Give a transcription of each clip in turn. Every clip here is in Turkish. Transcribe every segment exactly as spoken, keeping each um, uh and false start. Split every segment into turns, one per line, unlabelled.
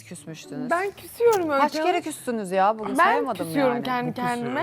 küsmüştünüz?
Ben küsüyorum öyle.
Kaç kere küstünüz ya? Bugün
Ben
sayamadım
küsüyorum
yani.
kendi kendime.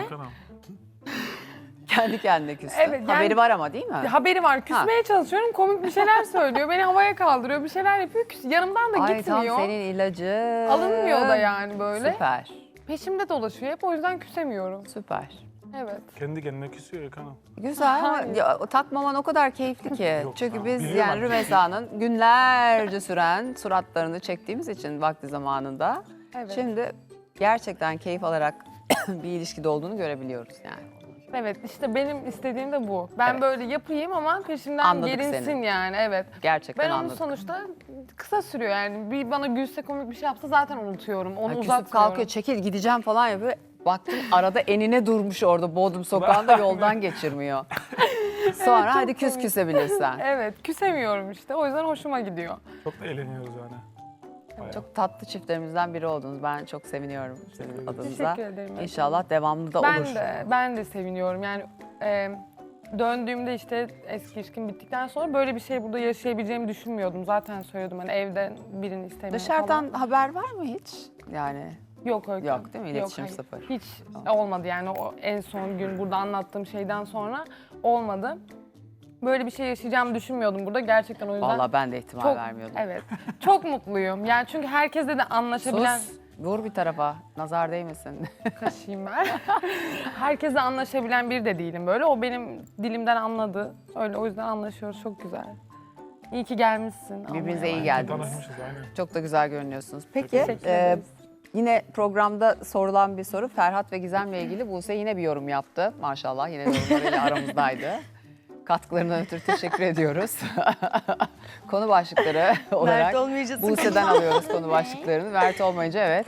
Kendi kendine küstü.
Evet, yani-
Haberi var ama değil mi?
Haberi var. Küsmeye çalışıyorum. Komik bir şeyler söylüyor. Beni havaya kaldırıyor. Bir şeyler yapıyor. Küs. Yanımdan da
Ay
gitmiyor.
tam senin ilacı.
Alınmıyor da yani böyle.
Süper.
Peşimde dolaşıyor hep. O yüzden küsemiyorum.
Süper.
Evet.
Kendi kendine küsüyor ya kanal.
Güzel ama
Hayır.
ya, takmaman o kadar keyifli ki.
Yok,
Çünkü
tamam.
biz
Biliyorum
yani
artık.
Rümeysa'nın günlerce süren suratlarını çektiğimiz için vakti zamanında.
Evet.
Şimdi gerçekten keyif alarak bir ilişkide olduğunu görebiliyoruz yani.
Evet işte benim istediğim de bu. Ben
Evet.
böyle yapayım ama peşimden
Anladık
gelinsin
seni.
yani. Evet.
Gerçekten
Ben onu
anladım.
sonuçta kısa sürüyor yani. Bir bana gülse komik bir şey yapsa zaten unutuyorum. Onu
Yani küsüp
uzatmıyorum.
kalkıyor, çekil gideceğim falan yapıyor. Baktım arada enine durmuş orada Bodrum sokağında yoldan geçirmiyor. Sonra
Evet, çok
hadi küs
komik.
küsebilirsen.
Evet küsemiyorum işte. O yüzden hoşuma gidiyor.
Çok da eğleniyoruz yani. Bayağı.
Çok tatlı çiftlerimizden biri oldunuz. Ben çok seviniyorum sizin
ederim.
adınıza.
Teşekkür ederim.
İnşallah devamlı da
Ben
olur.
de, ben de seviniyorum. Yani e, döndüğümde işte eski ilişkim bittikten sonra böyle bir şey burada yaşayabileceğimi düşünmüyordum. Zaten söylüyordum hani evden birini istemiyorum
Dışarıdan
falan.
haber var mı hiç? Yani
Yok öyle.
yok değil mi? İletişim
hayır.
sıfır.
Hiç olmadı yani o en son gün burada anlattığım şeyden sonra olmadı. Böyle bir şey yaşayacağımı düşünmüyordum burada gerçekten o yüzden.
Vallahi ben de ihtimal
çok,
vermiyordum.
Evet. Çok mutluyum. Yani çünkü herkesle de anlaşabilen...
Sus, vur bir tarafa. Nazar değmesin.
Kaşıyım ben. Herkesle anlaşabilen biri de değilim böyle. O benim dilimden anladı. Öyle o yüzden anlaşıyoruz. Çok güzel. İyi ki gelmişsin.
Birbirinize iyi
Almanya'ya.
geldiniz.
Tanışmışız aynen.
Çok da güzel görünüyorsunuz. Peki
Teşekkür
e,
ederiz.
yine programda sorulan bir soru Ferhat ve Gizem'le ilgili. Buse yine bir yorum yaptı. Maşallah yine yorumlarıyla aramızdaydı. Katkılarından ötürü teşekkür ediyoruz. Konu başlıkları olarak
Mert olmayınca
Buse'den alıyoruz konu başlıklarını. Mert olmayınca evet.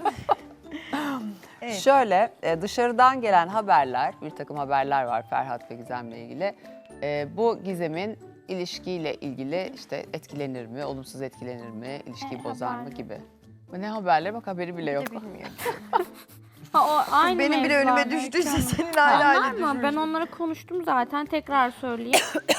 Evet.
Şöyle e, dışarıdan gelen haberler, bir takım haberler var Ferhat ve Gizem'le ilgili. E, bu Gizem'in ilişkiyle ilgili işte etkilenir mi, olumsuz etkilenir mi, ilişkiyi
E,
bozar mı
haberler.
gibi. Bu ne haberler? Bak haberi bile yok.
Ha, o aynı
Benim bile
mevzu
önüme
ama
düştüyse
Öykü
senin
Hanım.
hala
Onlar
öyle
mı? Ben
düşmüş.
onları konuştum zaten. Tekrar söyleyeyim.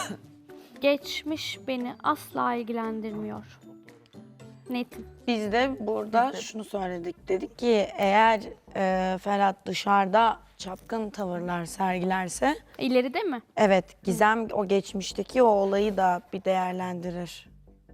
Geçmiş beni asla ilgilendirmiyor. Netim.
Biz de burada şunu söyledik. Dedik ki eğer e, Ferhat dışarıda çapkın tavırlar sergilerse
İleride mi?
evet Gizem o geçmişteki o olayı da bir değerlendirir.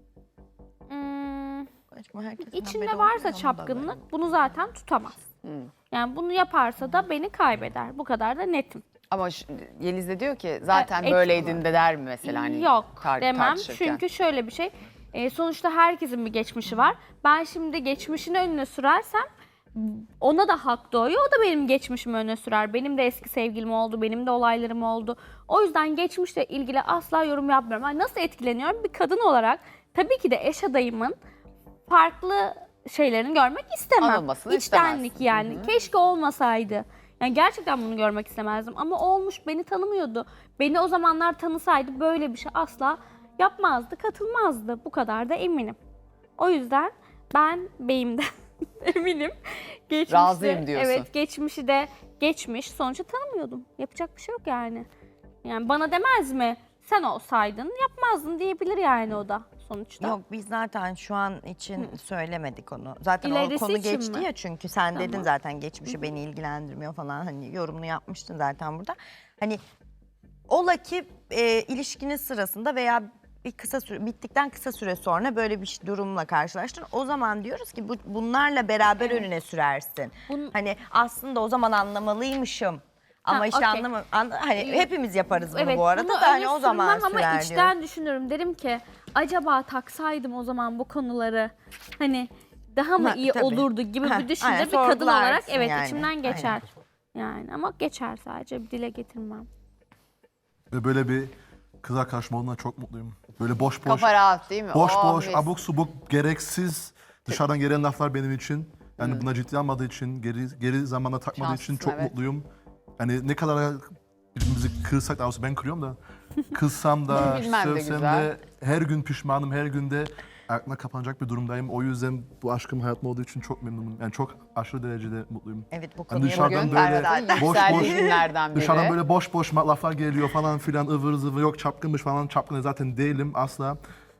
Hmm,
Herkesin
içinde
haberi
varsa
olmuyor ama
çapkınlık bunu zaten tutamaz.
Hmm.
Yani bunu yaparsa da beni kaybeder. Bu kadar da netim.
Ama şu- Yeliz de diyor ki zaten
E,
böyleydin de der mi mesela hani
Yok
tar-
demem.
tartışırken?
Çünkü şöyle bir şey. e, sonuçta herkesin bir geçmişi var. Ben şimdi geçmişini önüne sürersem ona da hak doğuyor. O da benim geçmişimi öne sürer. Benim de eski sevgilim oldu. Benim de olaylarım oldu. O yüzden geçmişle ilgili asla yorum yapmıyorum. Yani nasıl etkileniyorum? Bir kadın olarak tabii ki de eş adayımın farklı şeylerini görmek istemem.
Alınmasını
İçtenlik
istemezsin.
yani. Keşke olmasaydı. Yani gerçekten bunu görmek istemezdim. Ama olmuş, beni tanımıyordu. Beni o zamanlar tanısaydı böyle bir şey asla yapmazdı, katılmazdı. Bu kadar da eminim. O yüzden ben beyimden eminim. Geçmişte,
Razıyım diyorsun.
Evet, geçmişi de geçmiş. Sonuçta tanımıyordum. Yapacak bir şey yok yani. Yani bana demez mi? Sen olsaydın yapmazdın diyebilir yani o da sonuçta.
Yok biz zaten şu an için söylemedik onu. Zaten
İlerisi
o konu
için
geçti
mi?
ya çünkü sen dedin
Tamam.
zaten geçmişi beni ilgilendirmiyor falan hani yorumunu yapmıştın zaten burada. Hani ola ki e, ilişkinin sırasında veya bir kısa süre bittikten kısa süre sonra böyle bir durumla karşılaştın. O zaman diyoruz ki bu, bunlarla beraber önüne sürersin.
Bun-
Hani aslında o zaman anlamalıymışım. Ama
Ha,
işte
okey.
anlama, anla, hani hepimiz yaparız bunu
Evet,
bu arada
bunu
da hani
öne
o zaman
sürmem
sürer
ama
diyoruz.
içten düşünürüm. Derim ki acaba taksaydım o zaman bu konuları hani daha mı
Ha,
iyi
tabii.
olurdu gibi
Heh,
bir düşünce
aynen,
bir kadın olarak
sorgularsın
evet
yani.
içimden geçer. Yani ama geçer sadece bir dile getirmem.
Ve böyle bir kız arkadaşım olduğundan çok mutluyum. Böyle boş boş,
Kafa rahat değil mi?
boş
Oh,
boş,
mis.
abuk subuk, gereksiz dışarıdan gelen laflar benim için. Yani buna ciddi almadığı için, geri geri zamanda takmadığı için
Şanslısın,
çok
evet.
mutluyum. Yani ne kadar birbirimizi kırsak, daha doğrusu ben kırıyorum da, kızsam da,
Bilmem de
sövsem
güzel.
de, her gün pişmanım, her günde aklına kapanacak bir durumdayım. O yüzden bu aşkım hayatımda olduğu için çok memnunum. Yani çok aşırı derecede mutluyum.
Evet bu
Hani
konuya
dışarıdan
Bugün
böyle
Ferhat'ın
boş
yükseldiği
boş,
günlerden biri.
dışarıdan böyle boş boş laflar geliyor falan filan ıvır zıvır yok çapkınmış falan çapkın zaten değilim asla.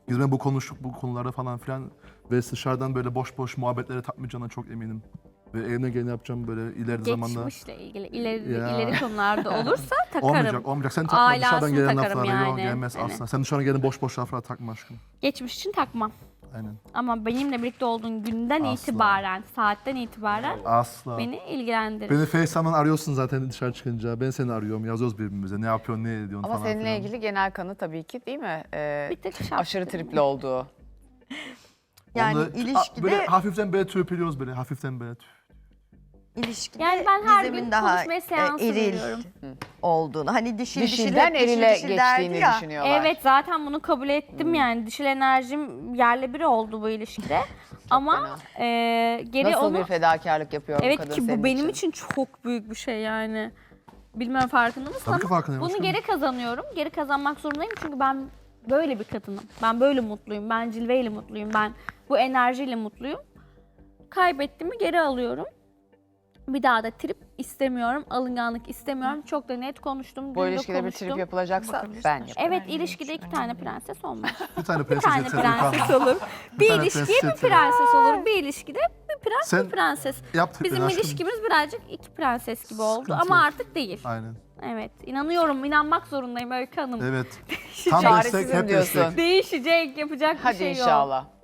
Biz ben bu konuştuk bu konularda falan filan ve dışarıdan böyle boş boş muhabbetlere takmayacağına çok eminim. Ve eline geleni yapacağım böyle ileride zamanda.
Geçmişle ilgili ileri,
Ya.
ileri konularda olursa takarım.
Olmayacak, olmayacak. Sen takma
Aile
dışarıdan
aslında
gelen
takarım
laflara. Yok
yani.
gelmez
Hani.
asla. Sen dışarıdan gelen boş boş laflara takma aşkım.
Geçmiş için takmam.
Aynen.
Ama benimle birlikte olduğun günden
Asla.
itibaren, saatten itibaren
Asla.
beni ilgilendirir.
Beni FaceTime'dan arıyorsun zaten dışarı çıkınca. Ben seni arıyorum, yazıyoruz birbirimize. Ne yapıyorsun, ne ediyorsun
Ama
falan
seninle
filan.
ilgili genel kanı tabii ki değil mi? Ee,
Bir tık şapkın.
aşırı tripli olduğu.
Yani
Onu da-
ilişkide
Böyle hafiften böyle törpülüyoruz böyle, hafiften böyle.
ilişkide
Yani ben her
Gizem'in
gün
daha
konuşmaya seansı
e, eril
veriyorum.
olduğunu. Hani dişil
Dişilden
dişil,
erile
dişil dişil derdi
geçtiğini
ya.
düşünüyorlar.
Evet zaten bunu kabul ettim yani. Dişil enerjim yerle bir oldu bu ilişkide. Ama e, geri
Nasıl
onu...
bir fedakarlık yapıyor bu
Evet
kadın
ki bu
senin
benim
için?
için çok büyük bir şey yani. Bilmem farkında mısın
Tabii ki
ama
farkındayım
bunu
aşkım.
geri kazanıyorum. Geri kazanmak zorundayım çünkü ben böyle bir kadınım. Ben böyle mutluyum. Ben cilveyle mutluyum. Ben bu enerjiyle mutluyum. Kaybettiğimi geri alıyorum. Bir daha da trip istemiyorum. Alınganlık istemiyorum. Çok da net konuştum.
Bu
dün de
ilişkide bir
konuştum.
trip yapılacaksa ben yaparım.
Evet ilişkide iki tane prenses olmaz.
Bir tane
Bir
prenses
tane
yeter.
prenses olur. Bir
tane
ilişkiye
prenses
bir
yeter.
prenses olur. Bir ilişkide bir prens
Sen
bir prenses.
Yaptık
Bizim
beni aşkım.
ilişkimiz birazcık iki prenses gibi oldu
Sıkıntı
ama
yok.
artık değil.
Aynen.
Evet, inanıyorum, inanmak zorundayım Öykü Hanım.
Evet. Tam
Çaresizim
destek, hep
diyorsun.
destek.
Değişecek, yapacak bir
Hadi
şey yok.
inşallah.